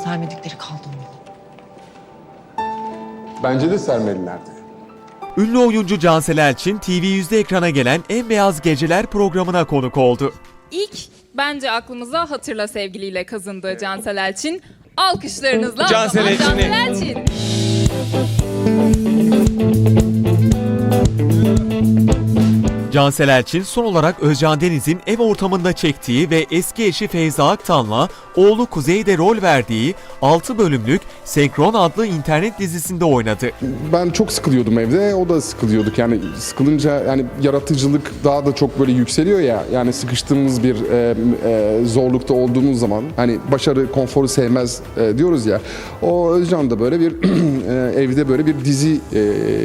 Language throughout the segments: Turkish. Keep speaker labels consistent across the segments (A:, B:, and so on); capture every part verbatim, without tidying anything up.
A: Sermedikleri kaldı mı?
B: Bence de sermelilerdi.
C: Ünlü oyuncu Cansel Elçin, T V yüzde ekrana gelen En Beyaz Geceler programına konuk oldu.
D: İlk bence aklımıza Hatırla Sevgiliyle kazındı Cansel Elçin. Alkışlarınızla
E: Cansel Elçin'i.
D: Cansel Elçin.
C: Cansel Elçin son olarak Özcan Deniz'in ev ortamında çektiği ve eski eşi Feyza Aktan'la oğlu Kuzey'de rol verdiği altı bölümlük Senkron adlı internet dizisinde oynadı.
B: Ben çok sıkılıyordum evde, o da sıkılıyorduk. Yani sıkılınca yani yaratıcılık daha da çok böyle yükseliyor ya. Yani sıkıştığımız bir e, e, zorlukta olduğumuz zaman hani başarı konforu sevmez e, diyoruz ya. O Özcan da böyle bir e, evde böyle bir dizi e,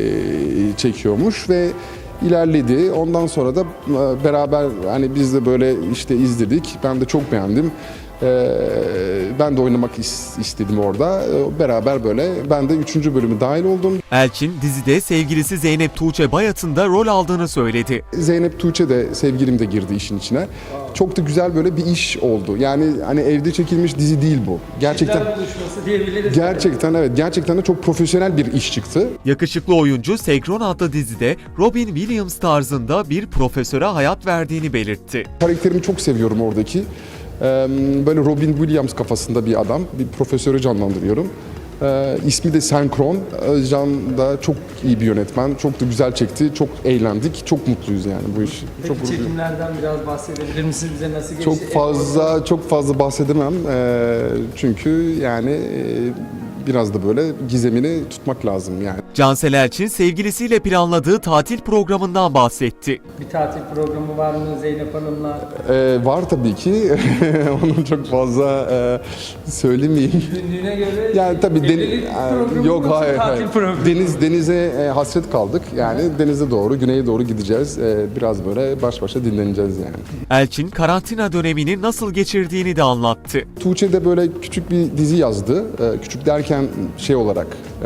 B: çekiyormuş ve ilerledi. Ondan sonra da e, beraber hani biz de böyle işte izledik. Ben de çok beğendim. Ee, ben de oynamak is- istedim orada. Ee, beraber böyle ben de üçüncü bölümü dahil oldum.
C: Elçin dizide sevgilisi Zeynep Tuğçe Bayat'ın da rol aldığını söyledi.
B: Zeynep Tuğçe de sevgilim de girdi işin içine. Çok da güzel böyle bir iş oldu. Yani hani evde çekilmiş dizi değil bu. Gerçekten Gerçekten evet. Gerçekten de çok profesyonel bir iş çıktı.
C: Yakışıklı oyuncu Senkron adlı dizide Robin Williams tarzında bir profesöre hayat verdiğini belirtti.
B: Karakterimi çok seviyorum oradaki. Ee, Böyle Robin Williams kafasında bir adam, bir profesörü canlandırıyorum. Ee, ismi de Senkron. Özcan da çok iyi bir yönetmen. Çok da güzel çekti. Çok eğlendik. Çok mutluyuz yani bu iş.
E: Peki
B: Çok mutluyuz.
E: çekimlerden biraz bahsedebilir misiniz? Bize nasıl geçti?
B: Çok fazla çok fazla bahsedemem. Ee, çünkü yani e, biraz da böyle gizemini tutmak lazım yani.
C: Cansel Elçin sevgilisiyle planladığı tatil programından bahsetti.
E: Bir tatil programı var mı Zeynep Hanım'la?
B: Ee, var tabii ki. Onu çok fazla e, söylemeyeyim.
E: Günlüğüne göre
B: Yani tabii den-
E: evlilik
B: e,
E: programı
B: yok
E: yoksa
B: hayır,
E: tatil
B: hayır.
E: programı.
B: Deniz denize e, hasret kaldık. Yani denize doğru, güneye doğru gideceğiz. E, biraz böyle baş başa dinleneceğiz yani.
C: Elçin karantina dönemini nasıl geçirdiğini de anlattı.
B: Tuğçe de böyle küçük bir dizi yazdı. E, küçük derken şey olarak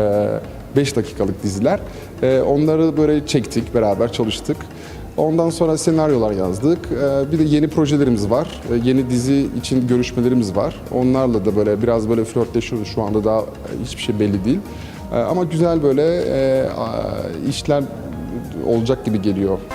B: beş dakikalık diziler. E, onları böyle çektik, beraber çalıştık. Ondan sonra senaryolar yazdık. E, bir de yeni projelerimiz var. E, yeni dizi için görüşmelerimiz var. Onlarla da böyle biraz böyle flörtleşiyoruz. Şu anda daha hiçbir şey belli değil. E, ama güzel böyle e, işler olacak gibi geliyor.